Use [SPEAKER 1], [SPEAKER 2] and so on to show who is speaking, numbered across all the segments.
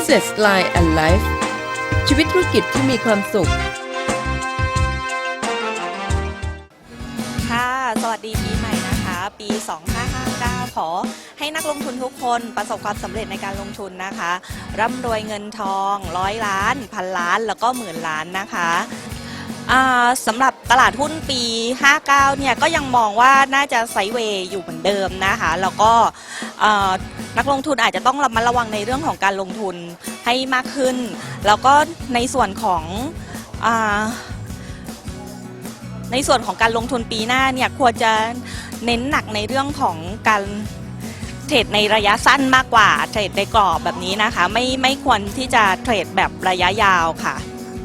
[SPEAKER 1] Business Line and Life ชีวิตธุรกิจที่มีความสุข
[SPEAKER 2] ค่ะสวัสดีปีใหม่นะคะปี 2559 ขอให้นักลงทุนทุกคนประสบความสำเร็จในการลงทุนนะคะร่ำรวยเงินทอง100 ล้านพันล้านแล้วก็หมื่นล้านนะคะสำหรับตลาดหุ้นปี 59 เนี่ยก็ยังมองว่าน่าจะไซด์เวย์อยู่เหมือนเดิมนะคะแล้วก็นักลงทุนอาจจะต้องระมัดระวังในเรื่องของการลงทุนให้มากขึ้นแล้วก็ในส่วนของการลงทุนปีหน้าเนี่ยควรจะเน้นหนักในเรื่องของการเทรดในระยะสั้นมากกว่าเทรดในกรอบแบบนี้นะคะไม่ควรที่จะเทรดแบบระยะยาวค่ะ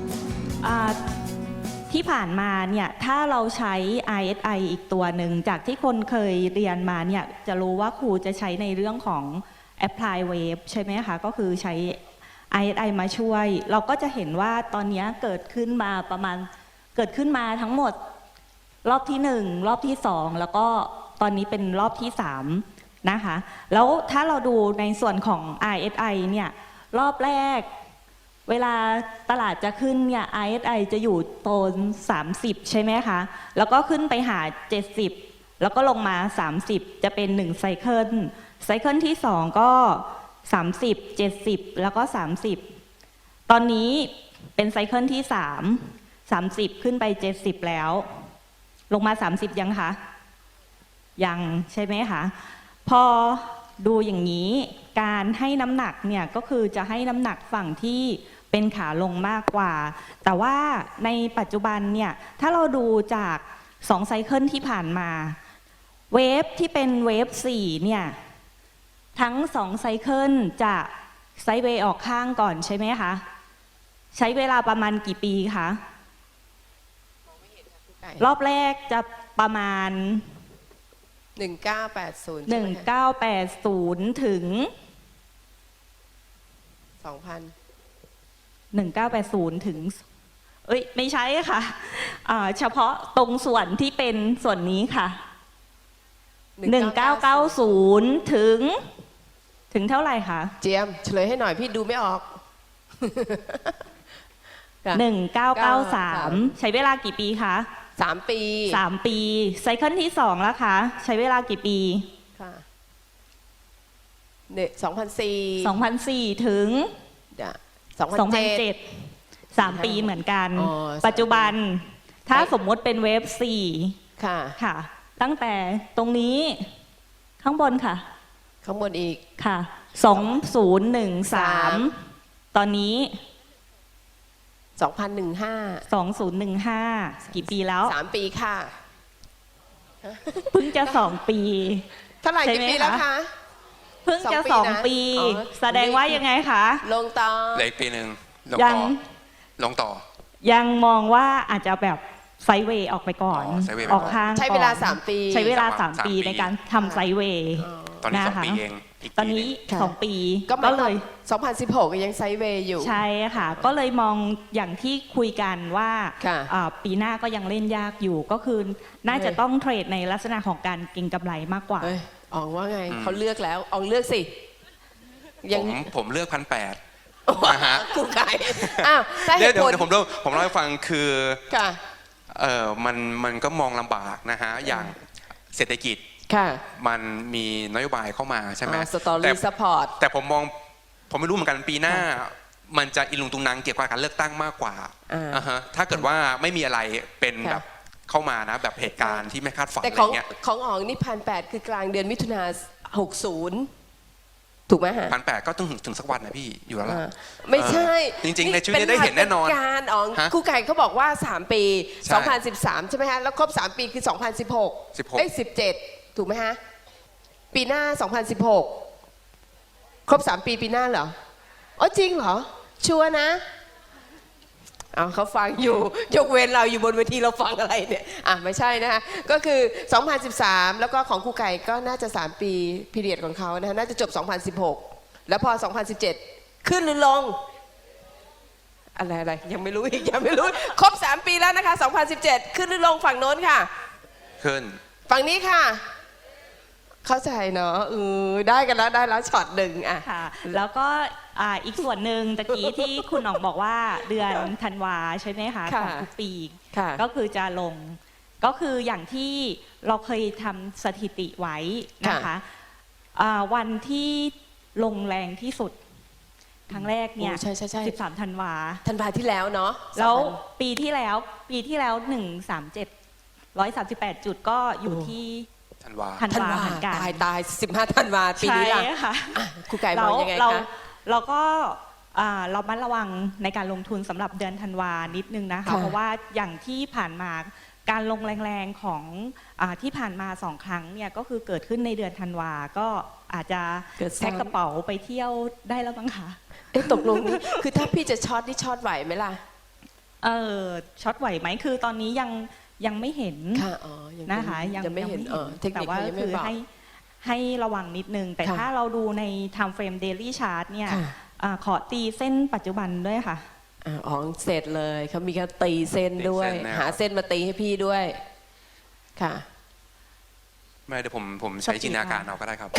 [SPEAKER 2] ที่ผ่านมาเนี่ยถ้าเราใช้ RSI อีกตัวหนึ่งจากที่คนเคยเรียนมาเนี่ยจะรู้ว่าครูจะใช้ในเรื่องของ Apply Wave ใช่ไหมคะก็คือใช้ RSI มาช่วยเราก็จะเห็นว่าตอนนี้เกิดขึ้นมาทั้งหมดรอบที่1รอบที่2แล้วก็ตอนนี้เป็นรอบที่3นะคะแล้วถ้าเราดูในส่วนของ RSI เนี่ยรอบแรกเวลาตลาดจะขึ้นเนี่ย RSI จะอยู่โซน30ใช่ไหมคะแล้วก็ขึ้นไปหา70แล้วก็ลงมา30จะเป็น1ไซเคิลที่2ก็30 70แล้วก็30ตอนนี้เป็นไซเคิลที่30ขึ้นไป70แล้วลงมา30ยังคะยังใช่ไหมคะพอดูอย่างนี้การให้น้ำหนักเนี่ยก็คือจะให้น้ำหนักฝั่งที่เป็นขาลงมากกว่าแต่ว่าในปัจจุบันเนี่ยถ้าเราดูจาก2ไซเคิลที่ผ่านมาเวฟที่เป็นเวฟ4เนี่ยทั้ง2ไซเคิลจะไซด์เวย์ออกข้างก่อนใช่ไหมคะใช้เวลาประมาณกี่ปีคะรอบแรกจะประมาณ1980ถึง1980ถึงไม่ใช่ค่ะเฉพาะตรงส่วนที่เป็นส่วนนี้ค่ะ1990ถึงเท่าไหร่คะ
[SPEAKER 3] เจียมเฉลยให้หน่อยพี่ดูไม่ออก
[SPEAKER 2] 1993ใช้เวลากี่ปีคะ
[SPEAKER 3] 3 ปี
[SPEAKER 2] ไซเคิลที่2แล้วคะใช้เวลากี่ปี
[SPEAKER 3] ค่ะ2004
[SPEAKER 2] ถึง2007 3 ปีเหมือนกันปัจจุบันถ้าสมมติเป็นเวฟ4ค่ะตั้งแต่ตรงนี้ข้างบนค่ะ
[SPEAKER 3] ข้างบนอีก
[SPEAKER 2] ค่ะ2013ตอนนี้2015กี่ปีแล้ว
[SPEAKER 3] 3 ปีค่ะ
[SPEAKER 2] เพิ่งจะ2 ปี
[SPEAKER 3] เท่าไหร่กี่ปีแล้วคะ
[SPEAKER 2] เพิ่งจะ2 ปีแสดงว่ายังไงคะ
[SPEAKER 3] ลงต่อ
[SPEAKER 4] เหลืออีกปีหนึ่งลงต่อ
[SPEAKER 2] ยังมองว่าอาจจะแบบไซด์เวย์ออกไปก่อนออกข้าง
[SPEAKER 3] ใช้เวลา3 ปี
[SPEAKER 2] ใช้เวลา3 ปีในการทำไซด์เวย์
[SPEAKER 4] ตอนนี้2 ปีเอง
[SPEAKER 2] ตอนนี้2 ปี
[SPEAKER 3] ก็เลย2016ยังไซด์เวย์อยู่
[SPEAKER 2] ใช่ค่ะก็เลยมองอย่างที่คุยกันว่าปีหน้าก็ยังเล่นยากอยู่ก็คือน่าจะต้องเทรดในลักษณะของการเก็งกำไรมากกว่า
[SPEAKER 3] อ๋องว่าไงเขาเลือกแล้วอ๋องเลือกสิ
[SPEAKER 4] ผมเลือก1,800นะฮะ
[SPEAKER 3] กูไก่ถ้าเหตุผล
[SPEAKER 4] ผมเล่าให้ฟังคือมันก็มองลำบากนะฮะอย่างเศรษฐกิจมันมีนโยบายเข้ามาใช่ไหมแต่ผมไม่รู้เหมือนกันปีหน้ามันจะอิลุงตุงนังเกี่ยวกับการเลือกตั้งมากกว่าถ้าเกิดว่าไม่มีอะไรเป็นแบบเข้ามานะแบบเหตุการณ์ที่ไม่คาดฝันอะไรเงี้ย
[SPEAKER 3] ของอ๋องนี่1,800คือกลางเดือนมิถุนา60ถูกไหมฮะ
[SPEAKER 4] 1,800ก็ต้องถึงสักวันนะพี่อยู่แล้วล่ะ
[SPEAKER 3] ไม่ใช่
[SPEAKER 4] จริงๆในชีวิตได้เห็นแน่นอน
[SPEAKER 3] การอ๋องครูไก่เขาบอกว่า3 ปี2013ใช่ไหมฮะแล้วครบ3 ปีคือ2016 17ถูกไหมฮะปีหน้า2016ครบ3 ปีปีหน้าเหรออ๋อจริงเหรอชัวร์นะเขาฟังอยู่ยกเว้นเราอยู่บนเวทีเราฟังอะไรเนี่ยไม่ใช่นะคะก็คือ2013แล้วก็ของครูไก่ก็น่าจะ3 ปีพีเรียดของเขานะน่าจะจบ2016แล้วพอ2017ขึ้นหรือลงอะไรยังไม่รู้อีกยังไม่รู้ครบ3 ปีแล้วนะคะ2017ขึ้นหรือลงฝั่งโน้นค่ะ
[SPEAKER 4] ขึ้น
[SPEAKER 3] ฝั่งนี้ค่ะเข้าใจเนาะได้กันแล้วได้แล้วช็อตหนึ่ง
[SPEAKER 2] ค่ะแล้วก็อีกส่วนหนึ่งตะกี้ที่คุณหน่องบอกว่าเดือนธันวาใช่ไหมคะของทุกปีก็คือจะลงก็คืออย่างที่เราเคยทำสถิติไว้นะคะวันที่ลงแรงที่สุดครั้งแรกเนี่ย13 ธันวา
[SPEAKER 3] ที่แล้วเนาะ
[SPEAKER 2] แล้วปีที่แล้ว137 จุดก็อยู่ที่
[SPEAKER 4] ธันวา
[SPEAKER 2] เหมือนกัน
[SPEAKER 3] ตาย15 ธันวาปีนี้ล่ะครูไก่มองยังไงคะ
[SPEAKER 2] เราก็เรามัดระวังในการลงทุนสำหรับเดือนธันวานิดนึงนะคะเพราะว่าอย่างที่ผ่านมาการลงแรงๆของที่ผ่านมา2 ครั้งเนี่ยก็คือเกิดขึ้นในเดือนธันวาก็อาจจะแพ็คกระเป๋าไปเที่ยวได้แล้วบ้างคะ
[SPEAKER 3] ตกลงนี้คือถ้าพี่จะช็อตนี่ช็อตไหวไหมล่ะ
[SPEAKER 2] ช็อตไหวไหมคือตอนนี้ยังไม่เห็นนะคะยังไม่เห็นแต่ว่าคือให้ระวังนิดนึงแต่ถ้าเราดูใน time frame daily chart เนี่ยขอตีเส้นปัจจุบันด้วยค่ะ
[SPEAKER 3] เสร็จเลยเขามีการตีเส้นด้วยหาเส้นมาตีให้พี่ด้วยค่ะ
[SPEAKER 4] ไม่เดี๋ยวผมใช้จินตนาการเอาก็ได้ครับ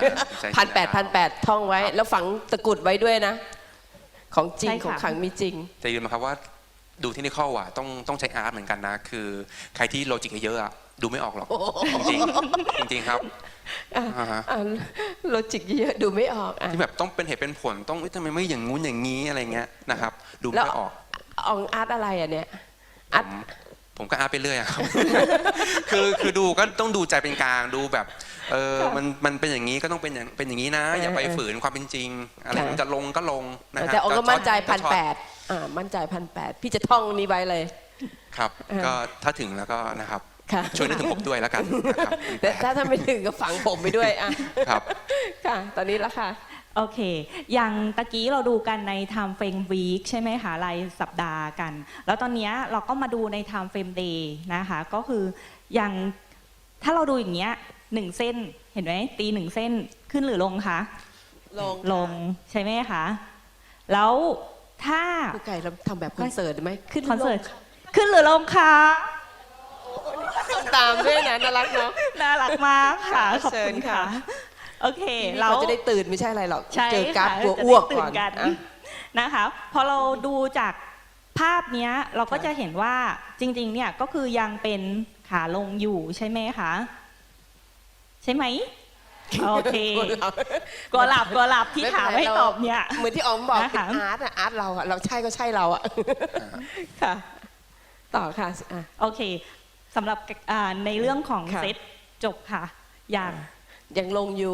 [SPEAKER 3] 1,800ท่องไว้แล้วฝังตะกุดไว้ด้วยนะของจริงของขังมีจริง
[SPEAKER 4] แต่ยืนมาครับว่าดูที่นี่ข้อว่าต้องใช้อาร์ตเหมือนกันนะคือใครที่โลจิกเยอะอะดูไม่ออกหรอกจริงจริงครับ
[SPEAKER 3] โลจิกเยอะดูไม่ออก
[SPEAKER 4] ที่แบบต้องเป็นเหตุเป็นผลต้องทำไมไม่อย่างงู้นอย่างนี้อะไรเงี้ยนะครับดูไม่ออก
[SPEAKER 3] อาร์ตอะไรอะเนี่ยอาร์ต
[SPEAKER 4] ผมก็อาร์ตไปเรื่อยครับคือดูก็ต้องดูใจเป็นกลางดูแบบมันเป็นอย่างนี้ก็ต้องเป็นอย่างนี้นะอย่าไปฝืนความเป็นจริงอะไรมันจะลงก็ลงนะ
[SPEAKER 3] ฮะแต่ก็มั่นใจ1,800มั่นใจ1,800พี่จะท่องนี้ไว้เลย
[SPEAKER 4] ครับก็ถ้าถึงแล้วก็นะครับช่วยนึกถึงผมด้วยแล้วกัน
[SPEAKER 3] แต่ถ้าไม่ถึงก็ฝังผมไปด้วย
[SPEAKER 4] ครับ
[SPEAKER 3] ค่ะตอนนี้แล้วค่ะ
[SPEAKER 2] โอเคอย่างตะกี้เราดูกันใน time frame week ใช่ไหมคะรายสัปดาห์กันแล้วตอนนี้เราก็มาดูใน time frame day นะคะก็คืออย่างถ้าเราดูอย่างเงี้ย1 เส้นเห็นไหมตี1 เส้นขึ้นหรือลงคะลงใช่ไหมคะแล้วถ้า
[SPEAKER 3] ครูไก่เราทำแบบคอนเสิร์ตไหมขึ้น
[SPEAKER 2] คอนเสิร์ตขึ้นหรือลงคะ
[SPEAKER 3] ตามด้วยนะน่ารักเนาะ
[SPEAKER 2] น่ารักมากค่ะขอบคุณค่ะโอเค
[SPEAKER 3] เราจะได้ตื่นไม่ใช่อะไรหรอกเจอกราฟตัวอ้วกก่อน
[SPEAKER 2] นะคะพอเราดูจากภาพนี้เราก็จะเห็นว่าจริงๆเนี่ยก็คือยังเป็นขาลงอยู่ใช่ไหมคะใช่ไหมโอเคกลัวหลับที่ถามให้ตอบเนี่ย
[SPEAKER 3] เหมือนที่อ๋อมบอกเป็นอาร์ตเราใช่ก็ใช่เราค่ะต่อค่ะ
[SPEAKER 2] โอเคสำหรับในเรื่องของเซตจบค่ะ
[SPEAKER 3] ยังลงอยู่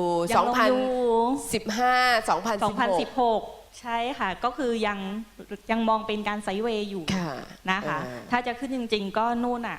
[SPEAKER 3] 2016
[SPEAKER 2] ใช่ค่ะก็คือยังมองเป็นการไซด์เวย์อยู่นะคะถ้าจะขึ้นจริงๆก็นู่นอ่ะ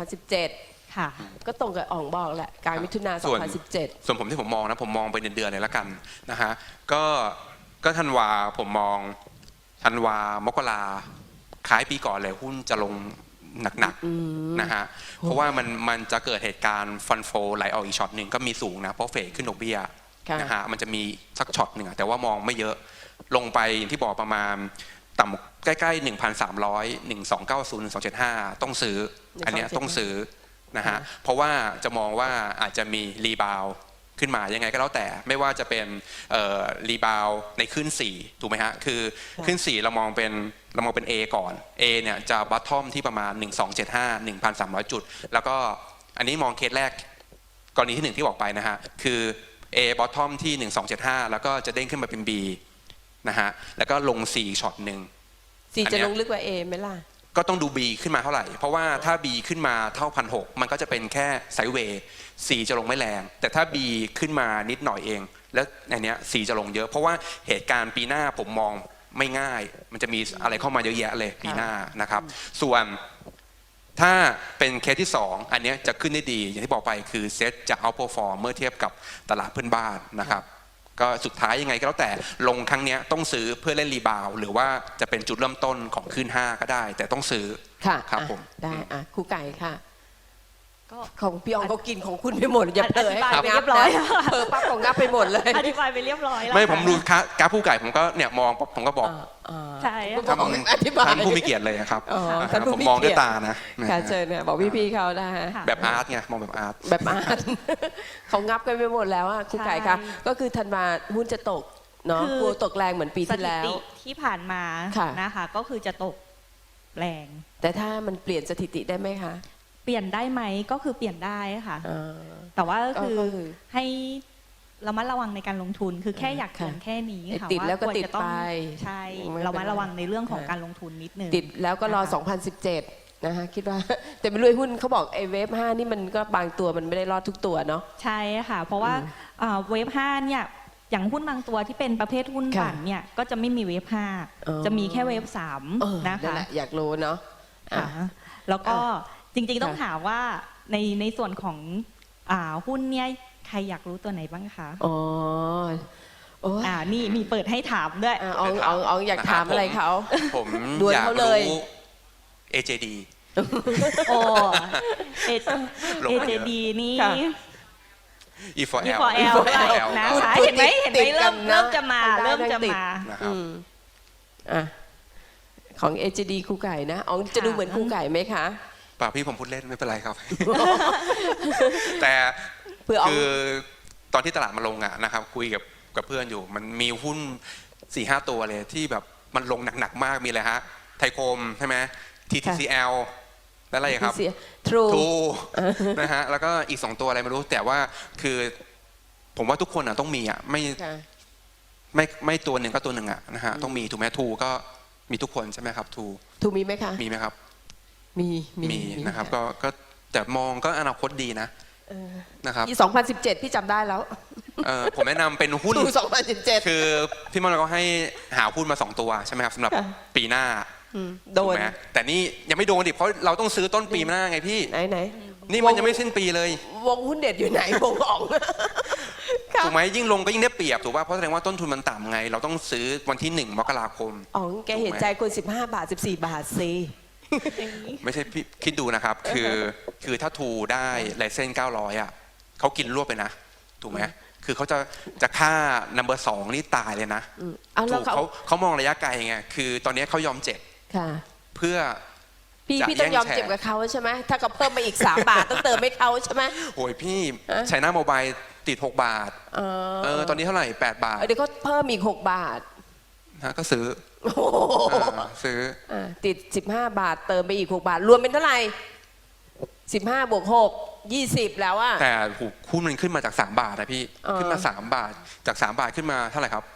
[SPEAKER 3] 2017ค่ะก็ตรงกับอ๋องบอกแหละกลางมิถุนา2017
[SPEAKER 4] ส่วนผมที่ผมมองนะผมมองไปเดือนๆเลยละกันนะฮะก็ธันวาผมมองธันวามกราคล้ายปีก่อนเลยหุ้นจะลงหนักๆนะฮะเพราะว่ามันจะเกิดเหตุการณ์ฟันโฟไหลออกอีกช็อตหนึ่งก็มีสูงนะเพราะเฟดขึ้นดอกเบี้ยนะฮะมันจะมีสักช็อตหนึ่งแต่ว่ามองไม่เยอะลงไปอย่างที่บอกประมาณต่ำใกล้ๆ 1,300 1,290 1,275ต้องซื้ออันนี้ต้องซื้อนะฮะเพราะว่าจะมองว่าอาจจะมีรีบาวขึ้นมายังไงก็แล้วแต่ไม่ว่าจะเป็นรีบาวในขึ้น4ถูกไหมฮะคือขึ้น4เรามองเป็นA ก่อน A เนี่ยจะบัตทอมที่ประมาณ1275 1,300 จุดแล้วก็อันนี้มองเคสแรกกรณีที่1ที่บอกไปนะฮะคือ A บัตทอมที่1275แล้วก็จะเด้งขึ้นมาเป็น B นะฮะแล้วก็ลง4ช็อตหนึ่ง
[SPEAKER 3] 4จะลงลึกกว่า A ไหมล่ะ
[SPEAKER 4] ก็ต้องดู B ขึ้นมาเท่าไหร่เพราะว่าถ้า B ขึ้นมาเท่า 1,600 มันก็จะเป็นแค่ไซด์เวย์ C จะลงไม่แรงแต่ถ้า B ขึ้นมานิดหน่อยเองแล้วในนี้ C จะลงเยอะเพราะว่าเหตุการณ์ปีหน้าผมมองไม่ง่ายมันจะมีอะไรเข้ามาเยอะแยะเลยปีหน้านะครับส่วนถ้าเป็นเคสที่2อันนี้จะขึ้นได้ดีอย่างที่บอกไปคือเซ็ตจะเอาท์เพอร์ฟอร์มเมื่อเทียบกับตลาดเพื่อนบ้านนะครับก็สุดท้ายยังไงก็แล้วแต่ลงครั้งนี้ต้องซื้อเพื่อเล่นรีบาวหรือว่าจะเป็นจุดเริ่มต้นของขึ้น5ก็ได้แต่ต้องซื้อครับผม
[SPEAKER 3] ได้ครูไก่ค่ะก็ของพี่อองเขากินของคุณไปหมดอย่าเผลอให้เขางับนะเผลอปั๊บของงับไปหมดเลย
[SPEAKER 2] อธิบายไปเรียบร้อยแล้ว
[SPEAKER 4] ไม่ผมดูกราฟผู้ไก่ผมก็เนี่ยมองผมก็บอก
[SPEAKER 2] ใช่
[SPEAKER 3] ท่
[SPEAKER 4] านผู้มีเกียรติเลยครับผมมองด้วยตานะ
[SPEAKER 3] ค่ะเชิญเนี่ยบอกพี่ๆเขาได้
[SPEAKER 4] แบบอาร์ตไงมองแบบอาร์ต
[SPEAKER 3] เขางับกันไปหมดแล้วครูไก่ค่ะก็คือธันวาหุ้นจะตกเนาะ
[SPEAKER 2] คือก
[SPEAKER 3] ลัวตกแรงเหมือนปี
[SPEAKER 2] ส
[SPEAKER 3] ที่
[SPEAKER 2] ถิ
[SPEAKER 3] แล้ว
[SPEAKER 2] ติที่ผ่านมา
[SPEAKER 3] ค่ะ
[SPEAKER 2] นะคะ ก็คือจะตกแรง
[SPEAKER 3] แต่ถ้ามันเปลี่ยนสถิติได้ไหมคะ
[SPEAKER 2] เปลี่ยนได้ไหมก็คือเปลี่ยนได้ค่ะ
[SPEAKER 3] อ่า
[SPEAKER 2] แต่ว่าก็คือ
[SPEAKER 3] ก็คือ
[SPEAKER 2] ให้ระมัดระวังในการลงทุนคือแค่อยากเตือน
[SPEAKER 3] ค่ะ
[SPEAKER 2] แค่นี้ค่ะ
[SPEAKER 3] ติดแล้วก็
[SPEAKER 2] าควร
[SPEAKER 3] ติด
[SPEAKER 2] จะต้อง
[SPEAKER 3] ไป
[SPEAKER 2] ใช่
[SPEAKER 3] ไม่เป็นไร
[SPEAKER 2] ระมัดระวังในเรื่องของการลงทุนนิดนึง
[SPEAKER 3] ติดแล้วก็รอ
[SPEAKER 2] นะคะ
[SPEAKER 3] 2017 นะคะคิดว่า แต่ไม่รู้ไอ้หุ้นเขาบอกไอ้เวฟ5นี่มันก็บางตัวมันไม่ได้รอดทุกตัวเนาะ
[SPEAKER 2] ใช่ค่ะ เพราะว่าเวฟ5เนี่ยอย่างหุ้นบางตัวที่เป็นประเภทหุ้น
[SPEAKER 3] ค่ะ
[SPEAKER 2] ปั่นเนี่ยก็จะไม่มีเวฟ
[SPEAKER 3] อ๋อ
[SPEAKER 2] 5จะมีแค่เวฟ
[SPEAKER 3] เออ
[SPEAKER 2] 3นะ
[SPEAKER 3] นั่น
[SPEAKER 2] คะ
[SPEAKER 3] แหละอยากรู้เนาะอ่ะ
[SPEAKER 2] ค่ะแล้วก็จริงๆต้อง
[SPEAKER 3] ค่ะ
[SPEAKER 2] ถามว่าในส่วนของหุ้นเนี่ยใครอยากรู้ตัวไหนบ้างคะ
[SPEAKER 3] อ๋อโอ้ย
[SPEAKER 2] นี่มีเปิดให้ถามด้วย
[SPEAKER 3] อ๋องอยากถามอะไรเขา
[SPEAKER 4] ผม
[SPEAKER 3] ดวล
[SPEAKER 4] อยาก
[SPEAKER 3] เขาเลย
[SPEAKER 4] รู้ AJD
[SPEAKER 2] โอ้
[SPEAKER 4] ลงมาเยอะ
[SPEAKER 2] AJD นี่
[SPEAKER 3] ค่ะ
[SPEAKER 4] E4L
[SPEAKER 2] E4L นะคะ
[SPEAKER 3] พูด
[SPEAKER 2] เห็นไหม
[SPEAKER 3] ติด
[SPEAKER 2] เริ่ม
[SPEAKER 3] กันนะ
[SPEAKER 2] จะมา
[SPEAKER 3] ทางด้าน
[SPEAKER 2] เริ่มจะ
[SPEAKER 3] ติด
[SPEAKER 2] มา
[SPEAKER 4] นะครับ
[SPEAKER 3] อ่ะของ AJD ครูไก่นะอ๋องจะดูเหมือนครูไก่ไหมคะ
[SPEAKER 4] ป่าพี่ผมพูดเล่นไม่เป็นไรครับ แต่
[SPEAKER 3] เพื่อเอา
[SPEAKER 4] คือตอนที่ตลาดมาลงอะนะครับคุยกับเพื่อนอยู่ มันมีหุ้น 4-5 ตัวเลยที่แบบมันลงหนักๆมากมีอะไรฮะไทยคมใช่ไหม TTCL แล้วอะไรอีกครับ
[SPEAKER 3] เสีย True
[SPEAKER 4] ทูนะฮะแล้วก็อีก 2 ตัวอะไรไม่รู้ แต่ว่าคือผมว่าทุกคนอะต้องมีอะ
[SPEAKER 3] ค่ะ
[SPEAKER 4] ไม่ตัวหนึ่งก็ตัวหนึ่งอะนะฮะต้องมีถูกไหมทูก็มีทุกคนใช่ไหมครับทู
[SPEAKER 3] ถูกมีไหมคะ
[SPEAKER 4] มีไหมครับ
[SPEAKER 3] มี
[SPEAKER 4] นะครับก็แต่มองก็อนาคตดีนะนะครับ
[SPEAKER 3] ปี2017 พี่จำได้แล้ว
[SPEAKER 4] ผมแนะนำเป็นหุ้น
[SPEAKER 3] ถูก2017
[SPEAKER 4] คือพี่มอนก็ให้หาหุ้นมา 2 ตัวใช่ไหมครับสำหรับ
[SPEAKER 3] ค่ะ
[SPEAKER 4] ปีหน้า
[SPEAKER 3] โด
[SPEAKER 4] ถูก
[SPEAKER 3] น
[SPEAKER 4] ไหมแต่นี่ยังไม่โดนดิเพราะเราต้องซื้อต้นปีหน้าไงพี่
[SPEAKER 3] ไหน
[SPEAKER 4] นี่มันยังไม่สิ้นปีเลย
[SPEAKER 3] วงหุ้นเด็ดอยู่ไหน วงอ่องค่ะ
[SPEAKER 4] ถูกไหมยิ่งลงก็ยิ่งได้เปรียบถูกป่ะเพราะแสดงว่าต้นทุนมันต่ำไง เราต้องซื้อวันที่ 1 มกราคม
[SPEAKER 3] อ๋องแกเห็นใจคน15 บาท 14 บาทสิ
[SPEAKER 4] ไม่ใช่พี่คิดดูนะครับ คือถ้าทูได้ไลเซนส์900อ่ะเขากินรวบไปนะ ถูกไหมคือเขาจะฆ่า number 2 นี่ตายเลยนะ
[SPEAKER 3] เอาแล้
[SPEAKER 4] ถู
[SPEAKER 3] ว
[SPEAKER 4] กเขามองระยะไกลไงคือตอนนี้เขายอมเจ็บ
[SPEAKER 3] ค่ะ
[SPEAKER 4] เพื่อ
[SPEAKER 3] พี่ต้องยอมเจ็บกับเขาใช่ไหมถ้าเขาเพิ่มมาอีก 3 บาท ต้องเติมให้เขาใช่ไหม
[SPEAKER 4] โอ้ยพี่ใช้หน้าโมบายติด 6 บาทตอนนี้เท่าไหร่ 8 บาท
[SPEAKER 3] เดี๋ยวเขาเพิ่มอีก 6 บาท
[SPEAKER 4] นะก็ซื้อซื้อ
[SPEAKER 3] ติด 15 บาท เติมไปอีก 6 บาท รวมเป็นเท่าไหร่ 15 บวก 6 20 แล้วอ่ะ
[SPEAKER 4] แต่หุ้นมันขึ้นมาจาก 3 บาทนะพี่ขึ้นมา 3 บาทจาก 3 บาทขึ้นมาเท่าไหร่ครับ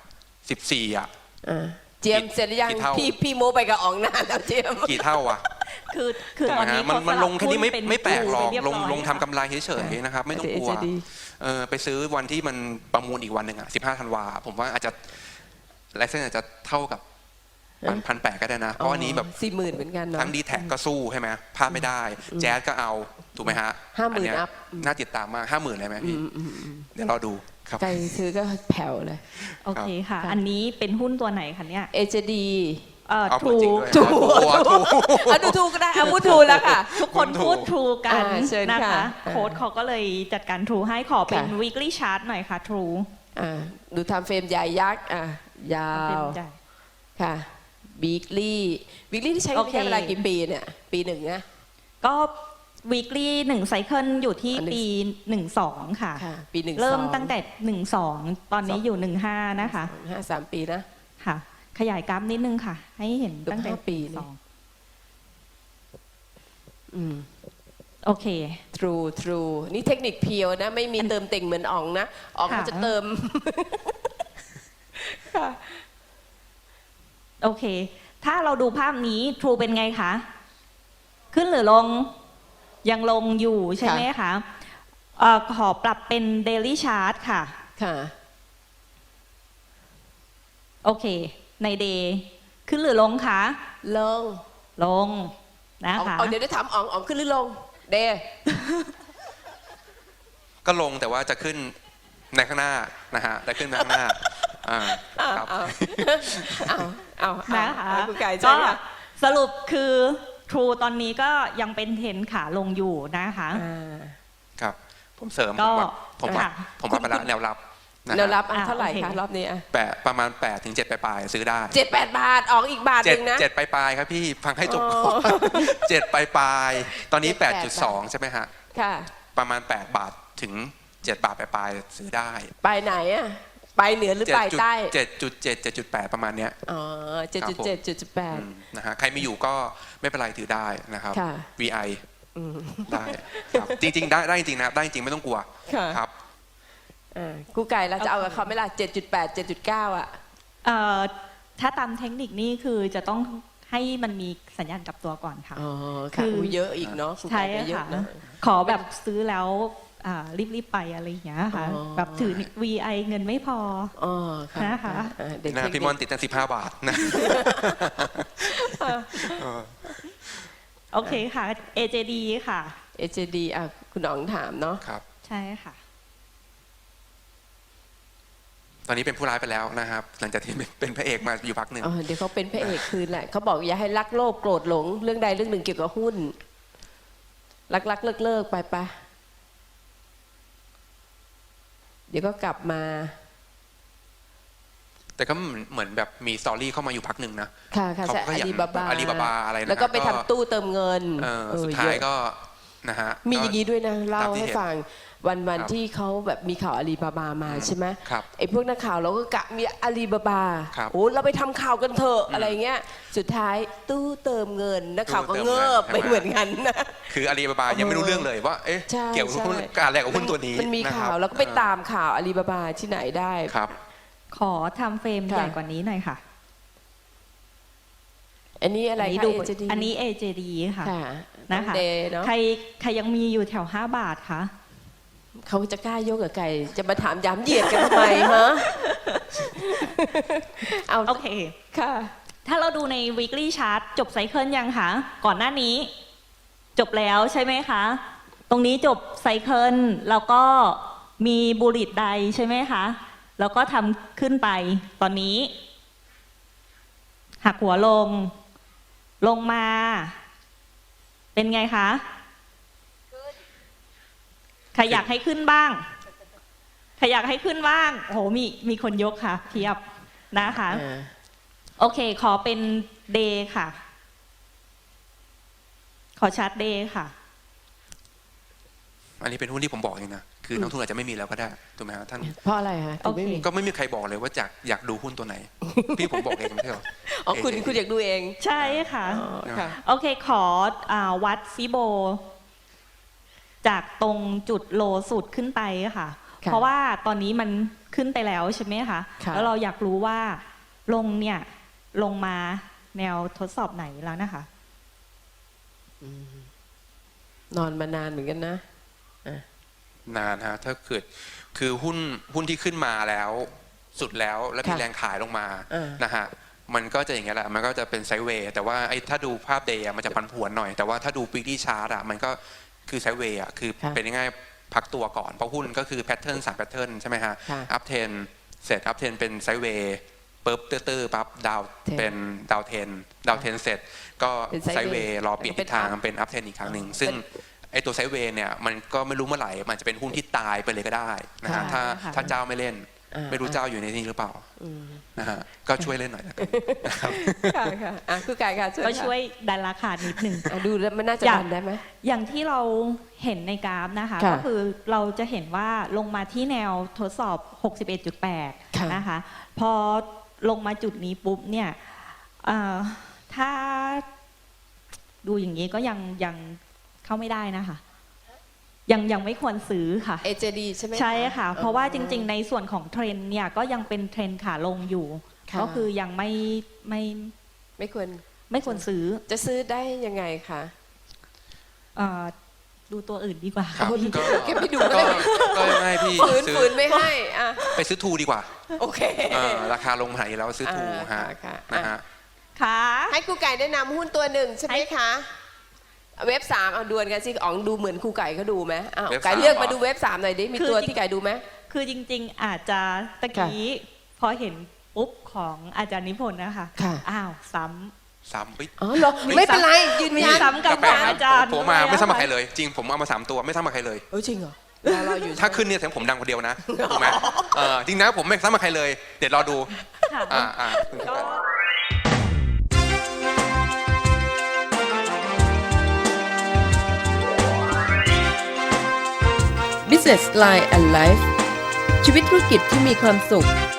[SPEAKER 4] 14อ่ะ
[SPEAKER 3] เจียมเสร็จหรือยัง
[SPEAKER 4] กี่เท่า
[SPEAKER 3] พี่โมไปกับอ๋องนานแล้วเจียม
[SPEAKER 4] กี่เท่าอ่ะ
[SPEAKER 2] คือตอนนี้
[SPEAKER 4] มันลงแค่นี้ไม่แปลกหรอก
[SPEAKER 2] เยบ
[SPEAKER 4] ลงทำกำไรเฉยๆนะครับไม่ต้องกลัว
[SPEAKER 3] AJD
[SPEAKER 4] ไปซื้อวันที่มันประมูลอีกวันหนึ่งอ่ะ15 ธันวาผมว่าอาจจะไลเซนส์อาจจะเท่ากับ1,800ก็ได้นะเพราะอันนี้แบบ
[SPEAKER 3] 40,000เหมือนกันเนาะ
[SPEAKER 4] ทั้งดีแท็กก็สู้ใช่ไหมพลาดไม่ได้ แจ๊สก็เอาถูกไหมฮะ
[SPEAKER 3] 50,000
[SPEAKER 4] อันเนี้ย
[SPEAKER 3] อัพ
[SPEAKER 4] น่าติดตามมาก 50,000เลยไหมพี่เดี๋ยวรอดูครับ
[SPEAKER 3] ใครซื้อก็แผ่วเลย
[SPEAKER 2] โอเคค่ะ อันนี้เป็นหุ้นตัวไหนคะเนี่ย
[SPEAKER 3] AJD
[SPEAKER 4] เอา
[SPEAKER 2] ทู
[SPEAKER 4] จริงด้วย
[SPEAKER 3] ถูก
[SPEAKER 4] ถูก
[SPEAKER 3] เอาดูถูกก็ได้เอาพูดถูกแล้วค่ะ
[SPEAKER 2] ทุกคนพูดทรูกัน
[SPEAKER 3] เชิญ
[SPEAKER 2] นะ
[SPEAKER 3] ค่ะ
[SPEAKER 2] คะโค้ดเขาก็เลยจัดการทรูให้ขอเป็น
[SPEAKER 3] ค่ะ
[SPEAKER 2] weekly chart หน่อยค่ะทรู
[SPEAKER 3] ดูทำเฟรมใหญ่ยักษ์ยา
[SPEAKER 2] เป็น
[SPEAKER 3] ว
[SPEAKER 2] ใจ
[SPEAKER 3] ค่ะวีคลี่ที่ใช้
[SPEAKER 2] โอเค
[SPEAKER 3] แค่เวลากี่ปีเนี่ย ปีหนึ่งนะ
[SPEAKER 2] ก็ weekly 1ไซเคิลอยู่ที่
[SPEAKER 3] อันนี้
[SPEAKER 2] ปี12ค่ะ
[SPEAKER 3] ค่ะ ปีหนึ่ง
[SPEAKER 2] เริ่ม
[SPEAKER 3] สอ
[SPEAKER 2] ตั้งแต่12ตอนนี้อยู่15นะคะ
[SPEAKER 3] 3 ปีนะ
[SPEAKER 2] ค่ะ ขยายกราฟนิดนึงค่ะ ให้เห็นตั้งแต่
[SPEAKER 3] เกือบ5ปีนี่
[SPEAKER 2] โอเค
[SPEAKER 3] True นี่เทคนิคเพียวนะ ไม่มีเติมเต็งเหมือนอ๋องนะอ๋อง
[SPEAKER 2] ค่ะ
[SPEAKER 3] เขาจะเติม ค่ะ
[SPEAKER 2] โอเค ถ้าเราดูภาพนี้ทรูเป็นไงคะ ขึ้นหรือลง ยังลงอยู่ใช่ไหมคะขอปรับเป็น daily chart ค่ะ
[SPEAKER 3] ค่ะ
[SPEAKER 2] โอเค ใน day ขึ้นหรือลงคะ
[SPEAKER 3] ลง
[SPEAKER 2] ลงนะคะ
[SPEAKER 3] เดี๋ยวได้ถามอ๋องขึ้นหรือลง เด
[SPEAKER 4] ก็ลงแต่ว่าจะขึ้นในข้างหน้านะฮะแต่ขึ้นในข้างหน้าครับ
[SPEAKER 2] นะคะ
[SPEAKER 3] คุณไก่
[SPEAKER 2] ก็
[SPEAKER 3] ใช่ไหม
[SPEAKER 2] สรุปคือ True ตอนนี้ก็ยังเป็นเทรนด์ขาลงอยู่นะคะ
[SPEAKER 4] ครับผมเสริม
[SPEAKER 2] ก็
[SPEAKER 4] ผมว่า
[SPEAKER 2] ค่ะ
[SPEAKER 4] ไปละแนวรับนะฮะ
[SPEAKER 3] แล้วรับ
[SPEAKER 2] อ่ะ
[SPEAKER 3] เท่าไหร่
[SPEAKER 2] โอเค
[SPEAKER 3] คะรอบนี้
[SPEAKER 4] ประมาณ8 ถึง 7 ปลายๆซื้อได้
[SPEAKER 3] 7-8 บาทอ๋องอีกบาทหนึ่งนะ
[SPEAKER 4] 7 ปลายๆครับพี่ฟังให้จบก่อน7 ปลายๆตอนนี้ 8.2 ใช่ไหมฮะ
[SPEAKER 3] ค่ะ
[SPEAKER 4] ประมาณ8 บาทถึง 7 บาทปลายๆซื้อได้
[SPEAKER 3] ไปไหนไปเหนือหรือไปใต้
[SPEAKER 4] 7.7 7.8 ประมาณเนี้ย
[SPEAKER 3] อ๋อ 7.7
[SPEAKER 4] นะฮะใครไม่อยู่ก็ไม่เป็นไรถือได้นะครับ
[SPEAKER 3] ค่ะ
[SPEAKER 4] VI ได้ครับจริงๆได้จริงๆนะครับได้จริงๆไม่ต้องกลัว
[SPEAKER 3] ค่ะ
[SPEAKER 4] ครับ
[SPEAKER 3] กูไก่เราจะเอากับเขาไหม่ล่ะ7.8 7.9อ่ะ
[SPEAKER 2] ถ้าตามเทคนิคนี่คือจะต้องให้มันมีสัญญาณกลับตัวก่อนค่ะ
[SPEAKER 3] อ๋อ
[SPEAKER 2] คื
[SPEAKER 3] ค่ะ
[SPEAKER 2] อ
[SPEAKER 3] เยอะอีกเนาะกู
[SPEAKER 2] ใช่
[SPEAKER 3] ไก่ก็เยอะ
[SPEAKER 2] ค่ะ
[SPEAKER 3] นะ
[SPEAKER 2] ขอแบบซื้อแล้วรีบๆไปอะไรอย่างเงี้ยค่ะ
[SPEAKER 3] อ๋อ
[SPEAKER 2] แบบถือ VI เงินไม่พอ
[SPEAKER 3] อ๋อค่ะ
[SPEAKER 2] นะคะ
[SPEAKER 3] เด็ก
[SPEAKER 4] นะพี่มอนติดตั้ง15 บาทนะ
[SPEAKER 2] โอเคค่ะ AJD ค่ะ
[SPEAKER 3] AJD อ่ะคุณอ๋องถามเนาะ
[SPEAKER 4] ครับ
[SPEAKER 2] ใช่ค่ะ
[SPEAKER 4] ตอนนี้เป็นผู้ร้ายไปแล้วนะครับ หลังจากที่เป็นพระเอกมาอยู่พักหนึ่ง
[SPEAKER 3] เดี๋ยวเขาเป็นพระเอกคืนแหละเขาบอกอย่าให้รักโลภโกรธหลงเรื่องใดเรื่องหนึ่งเกี่ยวกับหุ้นรักเลิกไปปะเดี๋ยวก็กลับมา
[SPEAKER 4] แต่ก็เหมือนแบบมีสตอรี่เข้ามาอยู่พักหนึ่งนะ
[SPEAKER 3] ค่ะ
[SPEAKER 4] เขา
[SPEAKER 3] ใช่
[SPEAKER 4] ก็
[SPEAKER 3] อา
[SPEAKER 4] อย่าง
[SPEAKER 3] ลีบาบา
[SPEAKER 4] อาลีบาบาอะไรนะ
[SPEAKER 3] แล้วก็ไป
[SPEAKER 4] ก็
[SPEAKER 3] ทำตู้เติมเงิน
[SPEAKER 4] สุดท้าย
[SPEAKER 3] เอะ
[SPEAKER 4] ก็นะฮะ
[SPEAKER 3] มีอย่างนี้ด้วยนะเล่า
[SPEAKER 4] ตามที่
[SPEAKER 3] ให้
[SPEAKER 4] เห็น
[SPEAKER 3] ฟังวัน
[SPEAKER 4] ครับ
[SPEAKER 3] ที่เขาแบบมีข่าวอาลีบาบามาใช่ไหม
[SPEAKER 4] ครับ
[SPEAKER 3] ไอ้พวกนักข่าวเราก็กะมีอาลีบาบา
[SPEAKER 4] ครับ
[SPEAKER 3] โอ้เราไปทำข่าวกันเถอะอะไรเงี้ยสุดท้ายตู้เติมเงินนักข่าวก็
[SPEAKER 4] ตู้เติม
[SPEAKER 3] เงิ
[SPEAKER 4] เงิน
[SPEAKER 3] บไป
[SPEAKER 4] ใช่ไหม
[SPEAKER 3] เหมือนกันนะ
[SPEAKER 4] คืออาลีบาบายังไม่รู้เรื่องเลยว่าเอ๊ะ
[SPEAKER 3] ใช่
[SPEAKER 4] เกี่ยวกับหุ้น
[SPEAKER 3] ใช่
[SPEAKER 4] การแลกกับหุ้นตัวนี้
[SPEAKER 3] มันมี
[SPEAKER 4] นะค
[SPEAKER 3] ข่า
[SPEAKER 4] รับ
[SPEAKER 3] วแล้วก็ไปตามข่าวอาลีบาบาที่ไหนได้
[SPEAKER 4] ครับ
[SPEAKER 2] ขอทำเฟรม
[SPEAKER 3] ค่ะ
[SPEAKER 2] ใหญ่กว่านี้หน่อยค่ะ
[SPEAKER 3] อันนี้อะไร
[SPEAKER 2] อันนี้
[SPEAKER 3] คะ
[SPEAKER 2] ดู
[SPEAKER 3] AJD
[SPEAKER 2] อันนี้ AJD ค่ะ
[SPEAKER 3] ค่ะ
[SPEAKER 2] นะคะ
[SPEAKER 3] เดย์เนาะ
[SPEAKER 2] ใครยังมีอยู่แถว5 บาทคะ
[SPEAKER 3] เขาจะกล้ายกกับไก่จะมาถามย้ำเหยียดกันทำไมฮะเอา
[SPEAKER 2] โอเค
[SPEAKER 3] ค่ะ
[SPEAKER 2] ถ้าเราดูใน weekly chart จบไซเคิลยังคะ ก่อนหน้านี้ จบแล้วใช่ไหมคะ ตรงนี้จบไซเคิลแล้วก็มีบูลลิตไดใช่ไหมคะ แล้วก็ทำขึ้นไป ตอนนี้ หักหัวลงมา เป็นไงคะ ใครอยากให้ขึ้นบ้าง ใครอยากให้ขึ้นบ้าง โอ้โห มีคนยกค่ะเทียบนะคะ โอเค ขอเป็นเดย์ค่ะ ขอชาร์ตเดย์ค่ะ
[SPEAKER 4] อันนี้เป็นหุ้นที่ผมบอกเองนะคือนักทุนอาจจะไม่มีแล้วก็ได้ถูกไหมครับท่าน
[SPEAKER 3] เพราะอะไรฮะ
[SPEAKER 2] โอเค
[SPEAKER 4] ก็ไม่มีใครบอกเลยว่าอยากดูหุ้นตัวไหน พี่ผมบอกเองไม่ใช่เหรอ
[SPEAKER 3] อ๋อคุณอยากดูเอง
[SPEAKER 2] ใช่ค่ะ
[SPEAKER 3] อ๋อค่ะ
[SPEAKER 2] โอเค ขอวัดฟิโบ จากตรงจุดโลสุดขึ้นไปค่ะ
[SPEAKER 3] ค่ะ
[SPEAKER 2] เพราะว่าตอนนี้มันขึ้นไปแล้วใช่ไหมคะ
[SPEAKER 3] ค่ะ
[SPEAKER 2] แล้วเราอยากรู้ว่าลงเนี่ย ลงมาแนวทดสอบไหนแล้วนะคะ
[SPEAKER 3] นอนมานานเหมือนกันนะ
[SPEAKER 4] นานฮะถ้าเกิดคือหุ้นที่ขึ้นมาแล้วสุดแล้วแล้วมี
[SPEAKER 3] ค่ะ
[SPEAKER 4] แรงขายลงมา
[SPEAKER 3] อ่าน
[SPEAKER 4] นะฮะมันก็จะอย่างเงี้ยแหละมันก็จะเป็นไซด์เวย์แต่ว่าไอ้ถ้าดูภาพเดย์มันจะผันผวนหน่อย แต่ว่าถ้าดูวีคลี่ชาร์ตอะมันก็คือไซด์เวย์อะคือเป็นง่ายๆพักตัวก่อนเพราะหุ้นก็คือแพทเทิร์น3แพทเทิร์นใช่ไหมฮะ
[SPEAKER 3] ค่ะ
[SPEAKER 4] อัพเทนเสร็จอัพเทนเป็นไซด์เวย์ปุ๊บตื้อๆปั๊บดาว
[SPEAKER 3] 10
[SPEAKER 4] เป็นดาวเทนเสร็จก็
[SPEAKER 3] เป็น
[SPEAKER 4] ไซด์เวย์รอเปลี่ยนทิศทาง
[SPEAKER 3] เป็น up
[SPEAKER 4] เป็นอัพเทนอีกครั้งหนึ่งซึ่งไอตัวไซด์เวย์เนี่ยมันก็ไม่รู้เมื่อไหร่มันจะเป็นหุ้นที่ตายไปเลยก็ได้นะฮะ
[SPEAKER 3] ค่ะ
[SPEAKER 4] ถ้าเจ้าไม่เล่น ไม่รู้เจ้าอยู่ในนี้หรือเปล่านะฮะก็ช่วยเล่นหน่อยนะครับ
[SPEAKER 3] ค่ะค่ะอ่ะคุณไก่ค่ะเชิญ
[SPEAKER 2] ก็
[SPEAKER 3] ค่ะ
[SPEAKER 2] ช่วยดันราคานิดหนึ่ง
[SPEAKER 3] ดูแล้วมันน่าจะ
[SPEAKER 2] อยาก
[SPEAKER 3] ดันได้ไหม
[SPEAKER 2] อย่างที่เราเห็นในกราฟนะคะ
[SPEAKER 3] ค่ะ
[SPEAKER 2] ก็คือเราจะเห็นว่าลงมาที่แนวทดสอบ
[SPEAKER 3] ค่ะ
[SPEAKER 2] 61.8 นะคะ พอลงมาจุดนี้ปุ๊บเนี่ยถ้าดูอย่างนี้ก็ยังเข้าไม่ได้นะคะ ยังไม่ควรซื้อค่ะ
[SPEAKER 3] AJD ใช่ไหม
[SPEAKER 2] ใช่ค่ะ เพราะว่าจริงๆในส่วนของเทรนด์เนี่ยก็ยังเป็นเทรนด์ขาลงอยู่
[SPEAKER 3] ค่ะ
[SPEAKER 2] ก็คือยังไม่
[SPEAKER 3] ไม่ควร
[SPEAKER 2] ซื้อ
[SPEAKER 3] จะซื้อได้ยังไงคะ
[SPEAKER 2] ดูตัวอื่นดีกว่า
[SPEAKER 4] ครับ
[SPEAKER 2] พี่
[SPEAKER 4] ก็
[SPEAKER 3] เก็บไปดู
[SPEAKER 4] ก็
[SPEAKER 3] เลย
[SPEAKER 4] ก็ไม่พี่
[SPEAKER 3] ฝืนไม่ให้อ่ะ
[SPEAKER 4] ไปซื้อทูดีกว่า
[SPEAKER 3] โอเค
[SPEAKER 4] ราคาลงมาไหนแล้วซื้อทูฮะ
[SPEAKER 3] ค่ะ
[SPEAKER 4] นะฮะ
[SPEAKER 2] ค่ะ
[SPEAKER 3] ให้ครูไก่แนะนำหุ้นตัวหนึ่งใช่ไหมคะ เว็บ3เอาดวลกันสิอ๋องดูเหมือนครูไก่เขาดูไหมอ้าว
[SPEAKER 4] เว็บ
[SPEAKER 3] ไก่
[SPEAKER 4] 3
[SPEAKER 3] เลือกมาดูเว็บ3หน่อยดิมีตัวที่ไก่ดูไหม
[SPEAKER 2] คือจริงๆอาจจะตะกี้พอเห็นปุ๊บของอาจารย์นิพนธ์นะคะ
[SPEAKER 3] ค่ะ
[SPEAKER 2] อ้าวซ้
[SPEAKER 4] ซ้ำปิ๊บ
[SPEAKER 3] อ๋อเหรอไม่เป็นไรยืน
[SPEAKER 2] ำมี
[SPEAKER 3] ยัน
[SPEAKER 2] ซ้ำกับ
[SPEAKER 4] แปล
[SPEAKER 2] ขอก ง
[SPEAKER 4] นะ
[SPEAKER 2] อาจารย์
[SPEAKER 4] ผมมาไม่ซ้ำกับใคร
[SPEAKER 2] ด้วย
[SPEAKER 4] เลย จริงผมเอามา3 ตัวไม่ซ้ำกับใครเลย
[SPEAKER 3] เออจริงเหรอรออยู่
[SPEAKER 4] ถ้าขึ้นเนี่ยแสดงผมดังคนเดียวนะถูกไหมจริงนะผมไม่ซ้ำกับใครเลย เดี๋ยวรอดู
[SPEAKER 2] ค่ะ
[SPEAKER 4] ก็
[SPEAKER 1] Business Line and Life ชีวิตธุรกิจที่มีความสุข